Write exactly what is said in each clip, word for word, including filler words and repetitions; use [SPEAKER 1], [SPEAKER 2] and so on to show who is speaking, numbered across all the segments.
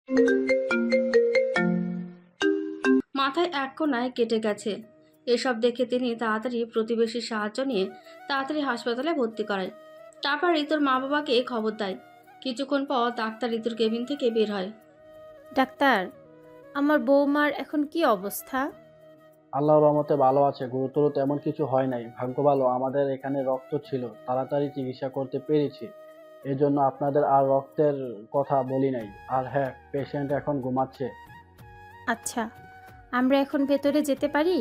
[SPEAKER 1] মাথায় এক কোণায় কেটে গেছে। এসব দেখে তিনি তাড়াতাড়ি প্রতিবেশীর সাহায্য নিয়ে তাড়াতাড়ি হাসপাতালে ভর্তি করায়। তারপর ঋতুর মা বাবাকে খবর দেয়। কিছুক্ষণ পর ডাক্তার ঋতুর কেবিন থেকে বের হয়।
[SPEAKER 2] ডাক্তার, আমার বৌমার এখন কি অবস্থা?
[SPEAKER 3] আল্লাহর রহমতে ভালো আছে, গুরুতর তেমন কিছু হয় নাই। ভাগ্য ভালো আমাদের এখানে রক্ত ছিল, তাড়াতাড়ি চিকিৎসা করতে পেরেছি। এজন্য আপনাদের আর রক্তের কথা বলি নাই। আর হ্যাঁ, পেশেন্ট এখন ঘুমাচ্ছে।
[SPEAKER 2] আচ্ছা, আমরা এখন ভেতরে যেতে পারি?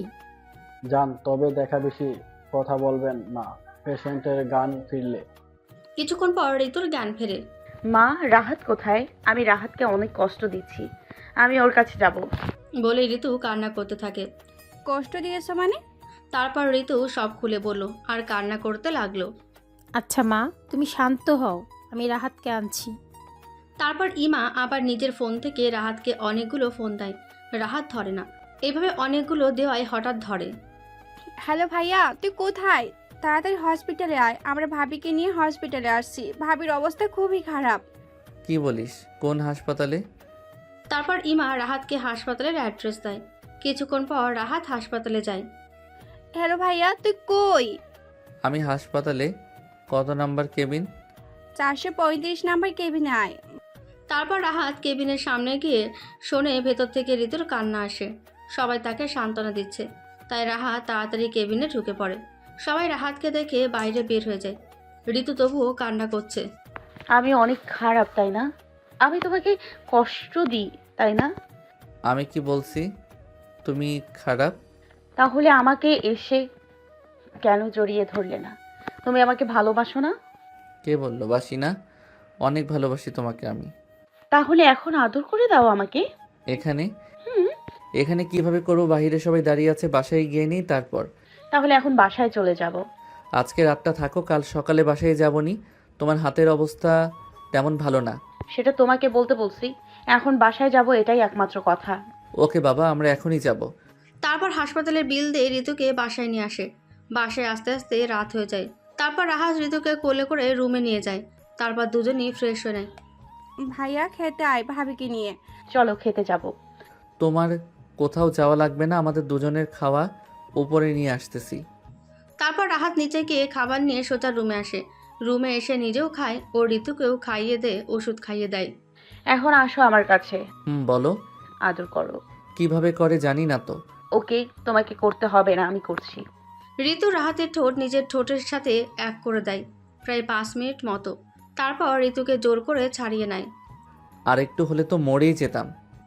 [SPEAKER 3] যান, তবে দেখা বেশি কথা বলবেন না পেশেন্টের গান ফিরলে।
[SPEAKER 1] কিছুক্ষণ পর ঋতুর জ্ঞান ফেরে।
[SPEAKER 4] মা, রাহাত কোথায়? আমি রাহাতকে অনেক কষ্ট দিচ্ছি, আমি ওর কাছে যাব।
[SPEAKER 1] বলে ঋতু কান্না করতে থাকে।
[SPEAKER 5] কষ্ট দিয়েছো মানে?
[SPEAKER 1] তারপর ঋতু সব খুলে বলল আর কান্না করতে লাগলো।
[SPEAKER 2] আচ্ছা মা, তুমি শান্ত হও, আমি রাহাতকে আনছি।
[SPEAKER 1] তারপর ইমা আবার নিজের ফোন থেকে রাহাতকে অনেকগুলো ফোন দেয়। রাহাত ধরে না। এভাবে অনেকগুলো দেওয়ায় হঠাৎ ধরে।
[SPEAKER 5] হ্যালো ভাইয়া, তুই কোথায়? তাড়াতাড়ি হসপিটালে আয়, আমরা ভাবিকে নিয়ে হসপিটালে আসছি। ভাবির অবস্থা খুবই খারাপ।
[SPEAKER 6] কি বলিস? কোন হাসপাতালে?
[SPEAKER 1] তারপর ইমা রাহাতকে হাসপাতালের অ্যাড্রেস দেয়। কিছুক্ষণ পর রাহাত হাসপাতালে যায়।
[SPEAKER 5] হ্যালো ভাইয়া, তুই কই?
[SPEAKER 6] আমি হাসপাতালে। কত নাম্বার কেবিন?
[SPEAKER 5] চারশো পঁয়ত্রিশ নাম্বার কেবিনে আয়।
[SPEAKER 1] তারপর রাহাত কেবিনের সামনে গিয়ে শোনে ভেতর থেকে ঋতুর কান্না আসে। সবাই তাকে সান্ত্বনা দিচ্ছে, তাই রাহাত তাড়াতাড়ি কেবিনে ঢুকে পড়ে। সবাই রাহাতকে দেখে বাইরে বের হয়ে যায়। ঋতু তবুও কান্না করছে।
[SPEAKER 4] আমি অনেক খারাপ, তাই না? আমি তোমাকে কষ্ট দিই, তাই না?
[SPEAKER 6] আমি কি বলছি তুমি খারাপ?
[SPEAKER 4] তাহলে আমাকে এসে কেন জড়িয়ে ধরলে না? তুমি আমাকে ভালোবাসো না?
[SPEAKER 6] কে বললো বাসি না? অনেক ভালোবাসি তোমাকে আমি।
[SPEAKER 4] তাহলে এখন আদর করে দাও আমাকে।
[SPEAKER 6] এখানে?
[SPEAKER 4] হুম।
[SPEAKER 6] এখানে কিভাবে করবো? বাইরে সবাই দাঁড়িয়ে আছে, বাসায় গিয়ে নিই তারপর।
[SPEAKER 4] তাহলে এখন বাসায় চলে যাব।
[SPEAKER 6] আজকে রাতটা থাকো, কাল সকালে বাসায় যাবনি। তোমার হাতের অবস্থা তেমন ভালো না।
[SPEAKER 4] সেটা তোমাকে বলতে বলছি। এখন বাসায় যাব, এটাই একমাত্র কথা।
[SPEAKER 6] ওকে বাবা, আমরা এখনই যাব।
[SPEAKER 1] তারপর হাসপাতালের বিল দিয়ে ঋতুকে বাসায় নিয়ে আসে। বাসায় আস্তে আস্তে রাত হয়ে যায়। তারপর রাহাত ঋতুকে কোলে করে রুমে নিয়ে যায়। তারপর দুজনেই ফ্রেশ হয়ে নেয়।
[SPEAKER 5] ভাইয়া খেতে আয় ভাবিকে নিয়ে।
[SPEAKER 4] চলো খেতে যাব।
[SPEAKER 6] তোমার কোথাও যাওয়া লাগবে না, আমাদের দুজনের খাওয়া উপরে নিয়ে আসতেছি।
[SPEAKER 1] তারপর রাহাত নিচে গিয়ে খাবার নিয়ে সোজা রুমে আসে। রুমে এসে নিজেও খায় ও ঋতুকেও খাইয়ে দেয়, ওষুধ খাইয়ে দেয়।
[SPEAKER 4] এখন আসো আমার কাছে,
[SPEAKER 6] হুম, বলো।
[SPEAKER 4] আদর করো।
[SPEAKER 6] কিভাবে করে জানি না তো।
[SPEAKER 4] ওকে, তোমাকে করতে হবে না, আমি করছি।
[SPEAKER 1] ঋতু রাহাতের ঠোঁট নিজের ঠোঁটের সাথে এক করে দেয় প্রায় পাঁচ মিনিট মতো। তারপর ঋতুকে জোর করে ছাড়িয়ে নেয়।
[SPEAKER 6] আর একটু হলে তো মরেই যেতাম।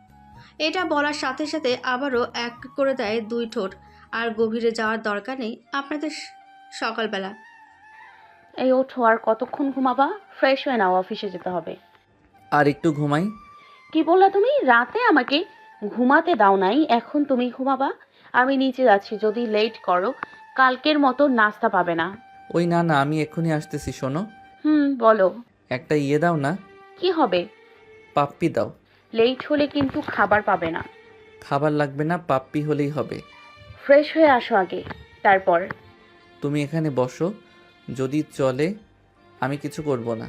[SPEAKER 1] এটা বলার সাথে সাথে আবারও এক করে দেয় দুই ঠোঁট। আর গভীরে যাওয়ার দরকার নেই আপনাদের। সকালবেলা
[SPEAKER 4] এই ওঠো, আর কতক্ষণ ঘুমাবা? ফ্রেশ হয়ে নাও, অফিসে যেতে হবে।
[SPEAKER 6] আর একটু ঘুমাই।
[SPEAKER 4] কি বললা তুমি? রাতে আমাকে ঘুমাতে দাও নাই, এখন তুমি ঘুমাবা? আমি নিচে যাচ্ছি, যদি লেট করো কালকের মতো নাস্তা পাবে না।
[SPEAKER 6] ওই না না, আমি এক্ষুনি আসতেছি, শোনো।
[SPEAKER 4] হুম, বলো।
[SPEAKER 6] একটা ইয়ে দাও না।
[SPEAKER 4] কি হবে?
[SPEAKER 6] পাপ্পি দাও।
[SPEAKER 4] লেট হলে কিন্তু খাবার পাবে না।
[SPEAKER 6] খাবার লাগবে না, পাপ্পি হলেই হবে।
[SPEAKER 4] ফ্রেশ হয়ে আসো আগে, তারপর।
[SPEAKER 6] তুমি এখানে বসো, যদি চলে আমি কিছু করব না।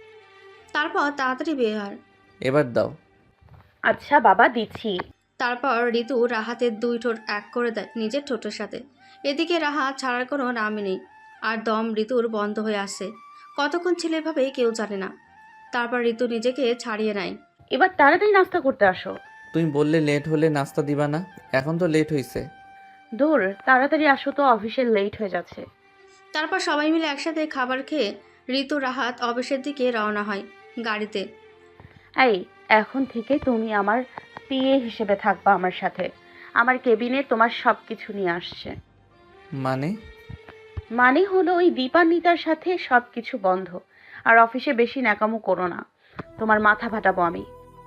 [SPEAKER 1] তারপর তাড়াতাড়ি বের হয়।
[SPEAKER 4] এবার দাও। আচ্ছা বাবা, দিচ্ছি।
[SPEAKER 1] তারপর ঋতু রাহাতের দুই ঠোঁট এক করে দেয় নিজের ঠোঁটের সাথে। এদিকে রাহাত ছাড়ার কোনো নামই নেই। আর দম ঋতুর বন্ধ হয়ে আসে। কতক্ষণ ছিল এভাবে কেউ জানে না। তারপর ঋতু নিজেকে ছাড়িয়ে নেয়।
[SPEAKER 4] এবার তাড়াতাড়ি নাস্তা করতে আসো।
[SPEAKER 6] তুমি বললে লেট হলে নাস্তা দিবা না, এখন তো লেট হয়েছে।
[SPEAKER 4] দূর, তাড়াতাড়ি আসো তো, অফিসে লেট হয়ে যাচ্ছে।
[SPEAKER 1] তারপর সবাই মিলে একসাথে খাবার খেয়ে ঋতু রাহাত অফিসের দিকে রওনা হয় গাড়িতে।
[SPEAKER 4] এই, এখন থেকে তুমি আমার পিএ হিসেবে থাকবা আমার সাথে। আমার কেবিনে তোমার সব কিছু নিয়ে আসছে।
[SPEAKER 6] মানে?
[SPEAKER 4] মানে হলো ওই দীপান্বিতার সাথে সব কিছু বন্ধ। আর অফিসে বেশি ন্যাকামো করো না, তোমার মাথা ফাটাবো আমি।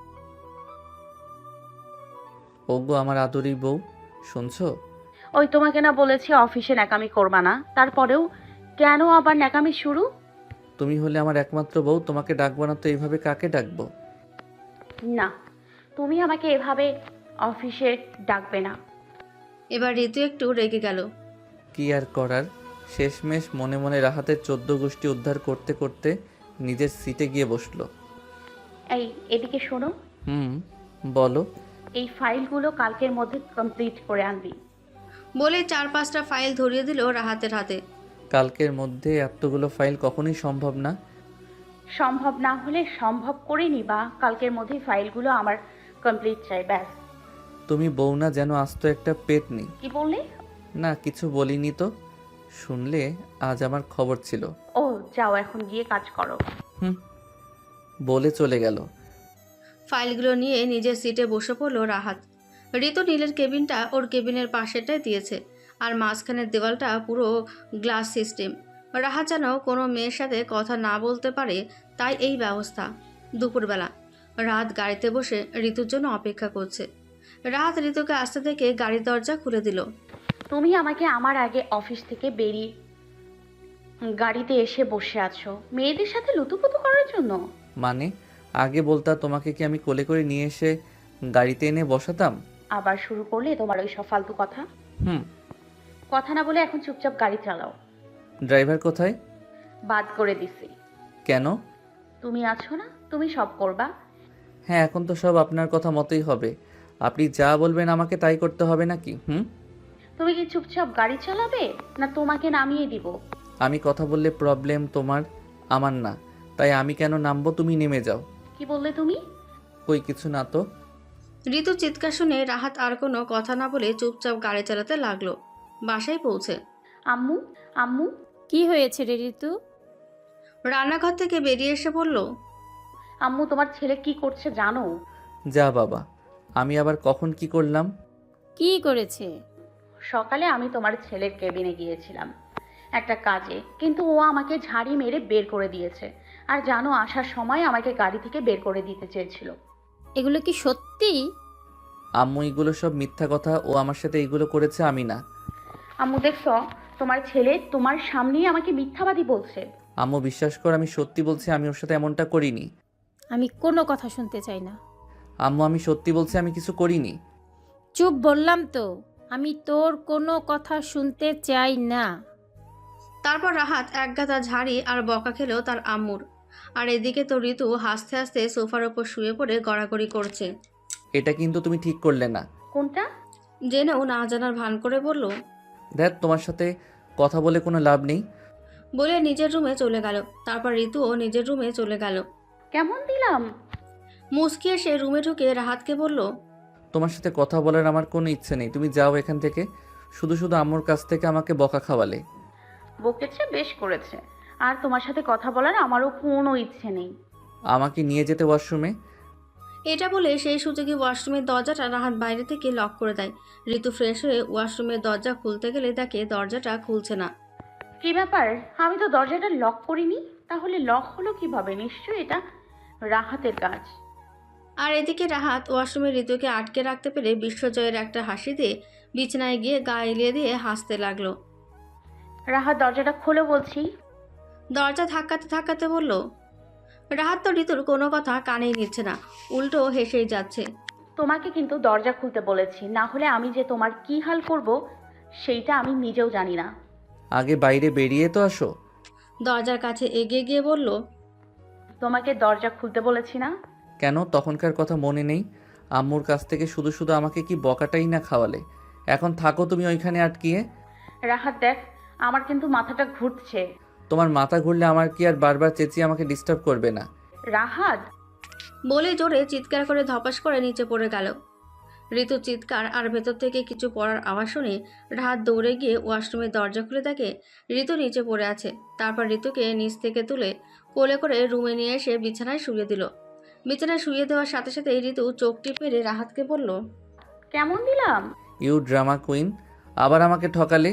[SPEAKER 6] ওগো আমার আদুরি বউ, শুনছো?
[SPEAKER 4] ওই তোমাকে না বলেছি অফিসে ন্যাকামি করবা না, তারপরেও কেন আবার ন্যাকামি শুরু?
[SPEAKER 6] তুমি হলে আমার একমাত্র বউ, তোমাকে ডাকবো না তো এইভাবে কাকে ডাকবো?
[SPEAKER 4] না, তুমি আমাকে এভাবে অফিসে ডাকবে না।
[SPEAKER 1] এবার ঋতু একটু রেগে গেল।
[SPEAKER 6] কি আর করার, শেষমেশ মনে মনে রাহাতের চোদ্দ গোষ্ঠী উদ্ধার করতে করতে নিজের সিটে গিয়ে বসলো।
[SPEAKER 4] এই, এদিকে শোনো,
[SPEAKER 6] হুম, বলো।
[SPEAKER 4] এই ফাইলগুলো কালকের মধ্যে কমপ্লিট করে আনবি।
[SPEAKER 1] বলে চার পাঁচটা ফাইল ধরিয়ে দিল রাহাতের হাতে।
[SPEAKER 6] কালকের মধ্যে এতগুলো ফাইল কখনোই সম্ভব না।
[SPEAKER 4] সম্ভব না হলে সম্ভব করে নিবা, কালকের মধ্যেই ফাইলগুলো আমার কমপ্লিট চাই, ব্যাস।
[SPEAKER 6] তুমি বউ না যেন আস্ত একটা পেতনি।
[SPEAKER 4] কি বললি?
[SPEAKER 6] না কিছু বলিনি তো। শুনলে আজ আমার খবর ছিল।
[SPEAKER 4] ও যাও, এখন গিয়ে কাজ করো।
[SPEAKER 6] হুম, বলে চলে গেল।
[SPEAKER 1] ফাইলগুলো নিয়ে নিজের সিটে বসে পড়ল রাহাত। ঋতু নীলের কেবিনটা ওর কেবিনের পাশেটাই দিয়েছে, আর মাঝখানের দেওয়ালটা পুরো গ্লাস সিস্টেম। রাহাত যেন কোনো মেয়ের সাথে কথা না বলতে পারে, তাই এই ব্যবস্থা। দুপুরবেলা রাত গাড়িতে বসে ঋতুর জন্য অপেক্ষা করছে। রাহাত ঋতুকে আসতে থেকে গাড়ির দরজা খুলে দিল।
[SPEAKER 4] তুমি আমাকে আমার আগে অফিস থেকে বেরিয়ে গাড়িতে এসে বসে আছো মেয়েদের সাথে লুতুপুতু করার জন্য।
[SPEAKER 6] মানে আগে বলতা তোমাকে কি আমি কোলে করে নিয়ে এসে গাড়িতে এনে বসাতাম?
[SPEAKER 4] আবার শুরু করলে তোমার ওই সব ফালতু কথা।
[SPEAKER 6] হুম।
[SPEAKER 4] কথা না বলে এখন চুপচাপ গাড়ি চালাও।
[SPEAKER 6] ড্রাইভার কোথায়?
[SPEAKER 4] বাদ করে দিছি।
[SPEAKER 6] কেন?
[SPEAKER 4] তুমি আছো না, তুমি সব করবা।
[SPEAKER 6] হ্যাঁ, এখন তো সব আপনার কথা মতোই হবে। আপনি যা বলবেন আমাকে তাই করতে হবে নাকি? হুম।
[SPEAKER 4] তুমি কি চুপচাপ গাড়ি চালাবে না তোমাকে নামিয়ে দিব?
[SPEAKER 6] আমি কথা বললে প্রবলেম তোমার, আমার না। তাই আমি কেন নামবো, তুমি নেমে যাও।
[SPEAKER 4] কি বললে তুমি?
[SPEAKER 6] কই কিছু না তো।
[SPEAKER 1] ঋতু চিৎকার শুনে রাহাত আর কোনো কথা না বলে চুপচাপ গাড়ি চালাতে লাগলো। বাসায় পৌঁছে
[SPEAKER 4] আম্মু, আম্মু।
[SPEAKER 2] কি হয়েছে রে ঋতু?
[SPEAKER 1] রান্নাঘর থেকে বেরিয়ে এসে বলল,
[SPEAKER 4] আম্মু তোমার ছেলে কি করছে জানো?
[SPEAKER 6] যা বাবা, আমি আবার কখন কি করলাম?
[SPEAKER 2] কি করেছে?
[SPEAKER 4] সকালে আমি তোমার ছেলের কেবিনে গিয়েছিলাম একটা কাজে, কিন্তু ও আমাকে ঝাড়ি মেরে বের করে দিয়েছে। আর জানো, আসার সময় আমাকে গাড়ি থেকে বের করে দিতে চেয়েছিল।
[SPEAKER 2] এগুলো কি সত্যি?
[SPEAKER 6] আম্মু এগুলো সব মিথ্যা কথা, ও আমার সাথে এগুলো করেছে, আমি না।
[SPEAKER 4] আম্মু দেখছো, তোমার ছেলে তোমার সামনেই আমাকে মিথ্যাবাদী বলছে।
[SPEAKER 6] আম্মু বিশ্বাস কর, আমি সত্যি বলছি, আমি ওর সাথে এমনটা করিনি।
[SPEAKER 2] আমি কোনো কথা শুনতে চাই না।
[SPEAKER 6] আম্মু আমি সত্যি বলছি, আমি কিছু করিনি।
[SPEAKER 2] চুপ বললাম তো, আমি তোর কোনো কথা শুনতে চাই না।
[SPEAKER 1] তারপর রাহাত একগাদা ঝাড়ি আর বকা খেলো তার আম্মুর। আর এদিকে তো ঋতু হাসতে হাসতে সোফার ওপর শুয়ে পড়ে গড়াগড়ি করছে।
[SPEAKER 6] এটা কিন্তু তুমি ঠিক করলে না।
[SPEAKER 4] কোনটা?
[SPEAKER 1] জেনেও না জানার ভান করে বলল,
[SPEAKER 6] দেখ তোমার সাথে কথা বলে কোনো লাভ নেই।
[SPEAKER 1] বলে নিজের রুমে চলে গেল। তারপর ঋতুও নিজের রুমে চলে গেল।
[SPEAKER 4] কেমন দিলাম?
[SPEAKER 1] মুচকি এসে রুমে ঢুকে রাহাতকে বলল,
[SPEAKER 6] তোমার সাথে কথা বলার আমার কোনো ইচ্ছে নেই, তুমি যাও এখান থেকে। শুধু শুধু আম্মুর কাছ থেকে আমাকে বকা খাওয়ালে।
[SPEAKER 4] বকেছে, বেশ করেছে। আর তোমার সাথে কথা বলার আমারও কোনো ইচ্ছে নেই।
[SPEAKER 6] আমাকে নিয়ে যেতে ওয়াশরুমে।
[SPEAKER 1] এটা বলে সেই সুযোগে ওয়াশরুমের দরজাটা রাহাত বাইরে থেকে লক করে দেয়। ঋতু ফ্রেশ হয়ে ওয়াশরুমের দরজা খুলতে গেলে দেখে দরজাটা খুলছে না।
[SPEAKER 4] কি ব্যাপার? আমি তো দরজাটা লক করিনি, তাহলে লক হলো কিভাবে? নিশ্চয়ই এটা রাহাতের কাজ।
[SPEAKER 1] আর এদিকে রাহাত ওয়াশরুমে ঋতুকে আটকে রাখতে পেরে বিশ্বজয়ের একটা হাসি দিয়ে বিছানায় গিয়ে গা এলিয়ে দিয়ে হাসতে লাগলো।
[SPEAKER 4] রাহাত দরজাটা খোলো বলছি।
[SPEAKER 1] দরজা ধাক্কাতে ধাক্কাতে বলল। রাহাত তো ঋতুর কোনো কথা কানেই নিচ্ছে না, উল্টো হেসেই যাচ্ছে।
[SPEAKER 4] তোমাকে কিন্তু দরজা খুলতে বলেছি, না হলে আমি যে তোমার কি হাল করব সেইটা আমি নিজেও জানি না।
[SPEAKER 6] আগে বাইরে বেরিয়ে তো আসো।
[SPEAKER 1] দরজার কাছে এগিয়ে গিয়ে বলল,
[SPEAKER 4] তোমাকে দরজা খুলতে বলেছি না?
[SPEAKER 6] কেন তখনকার কথা মনে নেই? আম্মুর কাছ থেকে শুধু শুধু আমাকে কি বকাটাই না খাওয়ালে। এখন থাকো তুমি ওইখানে আটকিয়ে।
[SPEAKER 4] রাহাত দেখ, আমার কিন্তু মাথাটা ঘুরছে।
[SPEAKER 6] তোমার মাথা ঘুরলে আমার কি আর বারবার চেঁচিয়ে আমাকে ডিস্টার্ব করবে না?
[SPEAKER 4] রাহাত
[SPEAKER 1] বলে জোরে চিৎকার করে ধপাস করে নিচে পড়ে গেল। ঋতু চিৎকার আর ভেতর থেকে কিছু পড়ার আওয়াজ শুনে রাহাত দৌড়ে গিয়ে ওয়াশরুমের দরজা খুলে দেখে ঋতু নিচে পড়ে আছে। তারপর ঋতুকে নিচ থেকে তুলে কোলে করে রুমে নিয়ে এসে বিছানায় শুয়ে দিল। বিছানায় শুয়ে দেওয়ার সাথে সাথে ঋতু চোখ টিপে রাহাতকে বলল,
[SPEAKER 4] কেমন দিলাম?
[SPEAKER 6] ইউ ড্রামা কুইন, আবার আমাকে ঠকালে।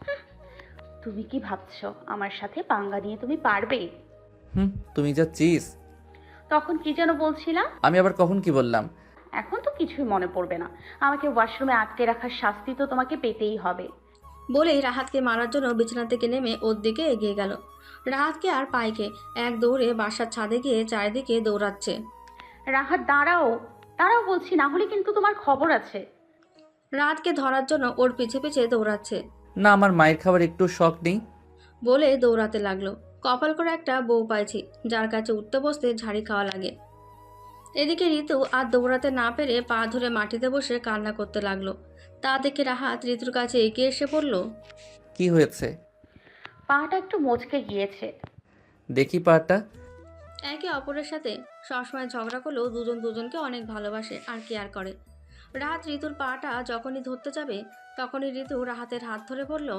[SPEAKER 4] তুমি কি ভাবছো আমার সাথে পাঙ্গা নিয়ে তুমি পারবে?
[SPEAKER 6] হুম, তুমি যা চিজ।
[SPEAKER 4] তখন কি যেন বলছিলাম?
[SPEAKER 6] আমি আবার কখন কি বললাম?
[SPEAKER 4] এখন তো কিছুই মনে পড়বে না। আমাকে ওয়াশরুমে আটকে রাখার শাস্তি তো তোমাকে পেতেই হবে।
[SPEAKER 1] বলেই রাহাতকে মারার জন্য বিছানা থেকে নেমে ওর দিকে এগিয়ে গেল। রাহাতকে আর পাইকে এক দৌড়ে বাসার ছাদে গিয়ে চারিদিকে দৌড়াচ্ছে।
[SPEAKER 4] রাহাত দাঁড়াও, দাঁড়াও বলছি, না হলে কিন্তু তোমার খবর আছে।
[SPEAKER 1] রাহাতকে ধরার জন্য ওর পিছে পিছে দৌড়াচ্ছে।
[SPEAKER 6] না, আমার মায়ের খাবার একটু শখ নেই।
[SPEAKER 1] বলে দৌড়াতে লাগলো। কপাল করে একটা বউ পাইছি যার কাছে উঠতে বসতে ঝাড়ি খাওয়া লাগে। এদিকে ঋতু আর দৌড়াতে না পেরে পা ধরে মাটিতে বসে কান্না করতে লাগলো। তা দেখে রাহাত ঋতুর কাছে এগিয়ে এসে বলল,
[SPEAKER 6] কি হয়েছে?
[SPEAKER 4] পাটা একটু মচকে গিয়েছে।
[SPEAKER 6] দেখি পাটা।
[SPEAKER 1] একে অপরের সাথে সবসময় ঝগড়া করলেও দুজন দুজনকে অনেক ভালোবাসে আর কেয়ার করে। রাহাত ঋতুর পাটা যখনই ধরতে যাবে তখনই ঋতু রাহাতের হাত ধরে বলল,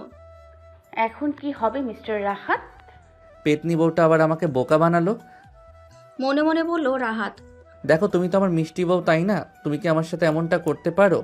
[SPEAKER 4] এখন কি হবে মিস্টার রাহাত?
[SPEAKER 6] পেতনি বউটা আবার আমাকে বোকা বানালো।
[SPEAKER 1] মনে মনে বলল রাহাত।
[SPEAKER 6] দেখো, তুমি তো আমার মিষ্টি বউ, তাই না? তুমি কি আমার সাথে এমনটা করতে পারো?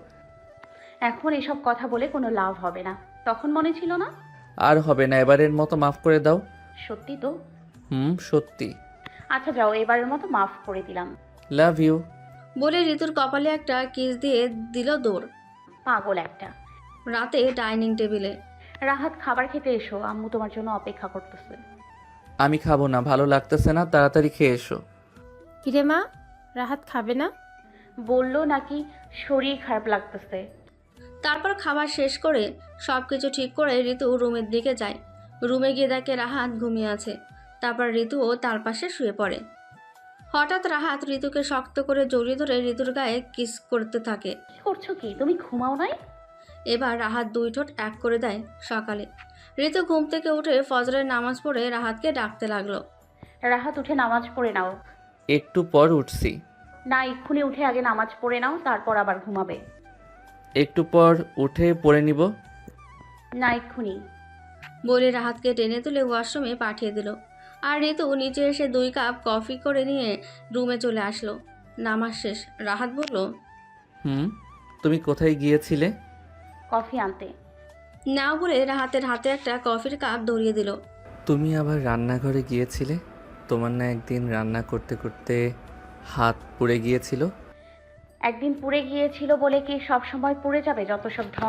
[SPEAKER 4] এখন এসব কথা বলে কোনো লাভ হবে না। তখন মনে ছিল না?
[SPEAKER 6] আর হবে না, এবারের মতো মাফ করে দাও।
[SPEAKER 4] সত্যি তো?
[SPEAKER 6] হুম, সত্যি।
[SPEAKER 4] আচ্ছা যাও, এবারের মতো মাফ করে দিলাম।
[SPEAKER 6] Love you.
[SPEAKER 1] বলে ঋতুর কপালে একটা কিস দিয়ে দিল দৌড়।
[SPEAKER 4] পাগল একটা।
[SPEAKER 1] রাতে ডাইনিং টেবিলে
[SPEAKER 4] রাহাত, খাবার খেতে এসো, আম্মু তোমার জন্য অপেক্ষা করতেছে।
[SPEAKER 6] আমি খাবো না, ভালো লাগতেছে না, তাড়াতাড়ি খেয়ে এসো।
[SPEAKER 2] কিরে মা, রাহাত খাবে না?
[SPEAKER 4] বললো নাকি শরীর খারাপ লাগতেছে।
[SPEAKER 1] তারপর খাবার শেষ করে সব কিছু ঠিক করে ঋতু রুমের দিকে যায়। রুমে গিয়ে দেখে রাহাত ঘুমিয়ে আছে। তারপর ঋতুও তার পাশে শুয়ে পড়ে। হঠাৎ রাহাত ঋতুকে শক্ত করে জড়িয়ে ধরে ঋতুর গায়ে কিস করতে থাকে।
[SPEAKER 4] কি করছো কি? তুমি ঘুমাও নাই?
[SPEAKER 1] এবার রাহাত দুই ঠোঁট এক করে দেয় সকালে। ঋতু ঘুম থেকে উঠে ফজরের নামাজ পড়ে রাহাতকে ডাকতে লাগলো।
[SPEAKER 4] রাহাত, উঠে নামাজ পড়ে নাও।
[SPEAKER 6] একটু পর উঠছি।
[SPEAKER 4] না, এক্ষুনি উঠে আগে নামাজ পড়ে নাও, তারপর আবার ঘুমাবে।
[SPEAKER 6] একটু পর উঠে পড়ে নিব।
[SPEAKER 4] না, এক্ষুনি।
[SPEAKER 1] বলে রাহাতকে টেনে তুলে ওয়াশরুমে পাঠিয়ে দিল। আর ঋতু নিচে এসে দুই কাপ কফি করে নিয়ে রুমে চলে আসলো। নামাজ শেষ। রাহাত বলল,
[SPEAKER 6] হুম, তুমি কোথায় গিয়েছিলে?
[SPEAKER 4] কফি আনতে।
[SPEAKER 1] না বলে রাহাতের হাতে একটা কফির কাপ ধরিয়ে দিল।
[SPEAKER 6] তুমি আবার রান্নাঘরে গিয়েছিলে? তোমার না একদিন রান্না করতে করতে হাত পুড়ে গিয়েছিল?
[SPEAKER 4] একদিন পুড়ে গিয়েছিল বলে কি সব সময় পুড়ে যাবে? যত সব ঢং।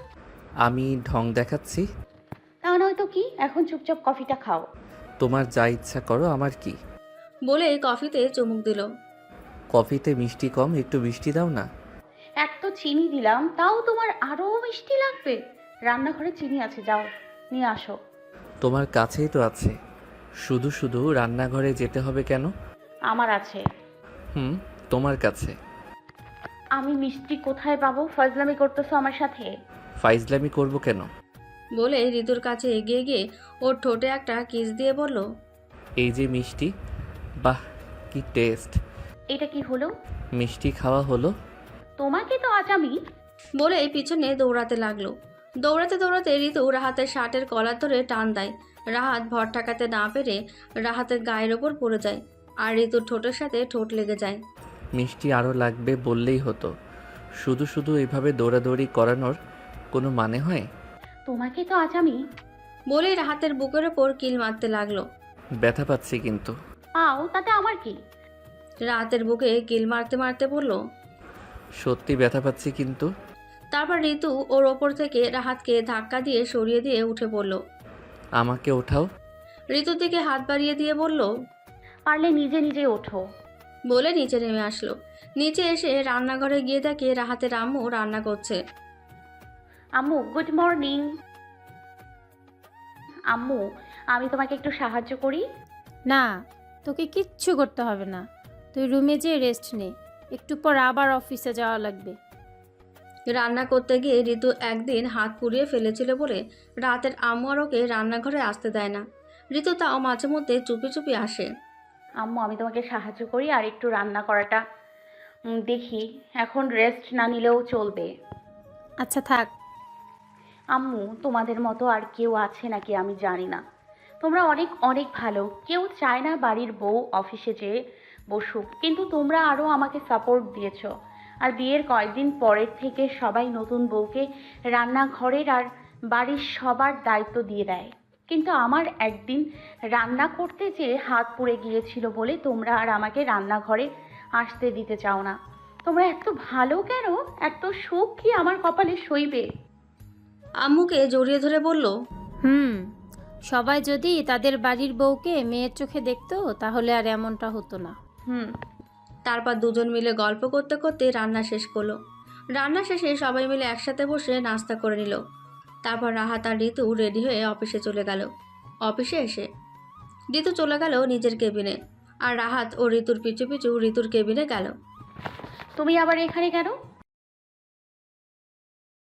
[SPEAKER 6] আমি ঢং দেখাচ্ছি?
[SPEAKER 4] তা নয়তো কি? এখন চুপচাপ কফিটা খাও।
[SPEAKER 6] তোমার যা ইচ্ছা করো, আমার কি।
[SPEAKER 1] বলে কফিতে চুমুক দিল।
[SPEAKER 6] কফিতে মিষ্টি কম, একটু মিষ্টি দাও না।
[SPEAKER 4] এক তো চিনি দিলাম, তাও তোমার আরো মিষ্টি লাগবে? রান্নাঘরে চিনি আছে, যাও নিয়ে আসো।
[SPEAKER 6] তোমার কাছেই তো আছে, শুধু শুধু রান্নাঘরে যেতে হবে কেন?
[SPEAKER 4] আমার আছে।
[SPEAKER 6] হুম, তোমার কাছে।
[SPEAKER 4] আমি মিষ্টি কোথায় পাবো? ফজলামি করতেছো আমার সাথে?
[SPEAKER 6] ফাইজলামি করব কেন?
[SPEAKER 1] বলে ঋতুর কাছে এগিয়ে গিয়ে ওর ঠোঁটে একটা কিস দিয়ে বলল,
[SPEAKER 6] এই যে মিষ্টি, বাহ কি টেস্ট।
[SPEAKER 4] এটা কি হলো?
[SPEAKER 6] মিষ্টি খাওয়া হলো।
[SPEAKER 4] তোমাকে তো আজ আমি।
[SPEAKER 1] বলে এই পিছনে দৌড়াতে লাগলো। দৌড়াতে দৌড়াতে ঋতু রাহাতের শার্টের কলার ধরে টান দেয়। রাহাত ভর ঠেকাতে না পেরে রাহাতের গায়ের ওপর পড়ে যায়। আর ঋতুর ঠোঁটের সাথে ঠোঁট লেগে যায়।
[SPEAKER 6] মিষ্টি আরও লাগবে বললেই হতো, শুধু শুধু এভাবে দৌড়াদৌড়ি করানোর কোনো মানে হয়?
[SPEAKER 4] তোমাকে তো আজ আমি।
[SPEAKER 1] বলেই রাহাতের বুকের ওপর কিল মারতে লাগলো।
[SPEAKER 6] ব্যথা পাচ্ছি কিন্তু।
[SPEAKER 4] পাও, তাতে আমার কি?
[SPEAKER 1] রাহাতের বুকে কিল মারতে মারতে বলল।
[SPEAKER 6] সত্যি ব্যথা পাচ্ছি কিন্তু।
[SPEAKER 1] তারপর ঋতু ওর ওপর থেকে রাহাতকে ধাক্কা দিয়ে সরিয়ে দিয়ে উঠে পড়ল।
[SPEAKER 6] আমাকে ওঠাও।
[SPEAKER 1] ঋতুর দিকে হাত বাড়িয়ে দিয়ে বলল,
[SPEAKER 4] পারলে নিজে নিজে ওঠো।
[SPEAKER 1] বলে নিচে নেমে আসলো। নিচে এসে রান্নাঘরে গিয়ে দেখে রাহাতের আম্মু রান্না করছে।
[SPEAKER 4] আম্মু, গুড মর্নিং। আম্মু, আমি তোমাকে একটু সাহায্য করি?
[SPEAKER 2] না, তোকে কিচ্ছু করতে হবে না। তুই রুমে যেয়ে রেস্ট নে, একটু পর আবার অফিসে যাওয়া লাগবে।
[SPEAKER 1] রান্না করতে গিয়ে ঋতু একদিন হাত পুড়িয়ে ফেলেছিল বলে রাতের আম্মু আর ওকে রান্নাঘরে আসতে দেয় না। ঋতু তাও মাঝে মধ্যে চুপি চুপি আসে।
[SPEAKER 4] আম্মু, আমি তোমাকে সাহায্য করি আর একটু রান্না করাটা উম, দেখি। এখন রেস্ট না নিলেও চলবে।
[SPEAKER 2] আচ্ছা থাক।
[SPEAKER 4] আম্মু, তোমাদের মতো আর কেউ আছে নাকি আমি জানি না। তোমরা অনেক অনেক ভালো। কেউ চায় না বাড়ির বউ অফিসে যেয়ে বসুক, কিন্তু তোমরা আরও আমাকে সাপোর্ট দিয়েছো। আর বিয়ের কয়েকদিন পরের থেকে সবাই নতুন বউকে রান্নাঘরের আর বাড়ির সবার দায়িত্ব দিয়ে দেয়। কিন্তু আমার একদিন রান্না করতে যেয়ে হাত পুড়ে গিয়েছিল বলে তোমরা আর আমাকে রান্নাঘরে আসতে দিতে চাও না। তোমরা এত ভালো কেন? এত সুখ কি আমার কপালে সইবে?
[SPEAKER 1] আম্মুকে জড়িয়ে ধরে বলল,
[SPEAKER 2] হুম, সবাই যদি তাদের বাড়ির বউকে মেয়ের চোখে দেখতো তাহলে আর এমনটা হতো না।
[SPEAKER 4] হুম।
[SPEAKER 1] তারপর দুজন মিলে গল্প করতে করতে রান্না শেষ করলো। রান্না শেষে সবাই মিলে একসাথে বসে নাস্তা করে নিল। তারপর রাহাত আর ঋতু রেডি হয়ে অফিসে চলে গেল। অফিসে এসে ঋতু চলে গেল নিজের কেবিনে। আর রাহাত ও ঋতুর পিছু পিছু ঋতুর কেবিনে গেল।
[SPEAKER 4] তুমি আবার এখানে কেন?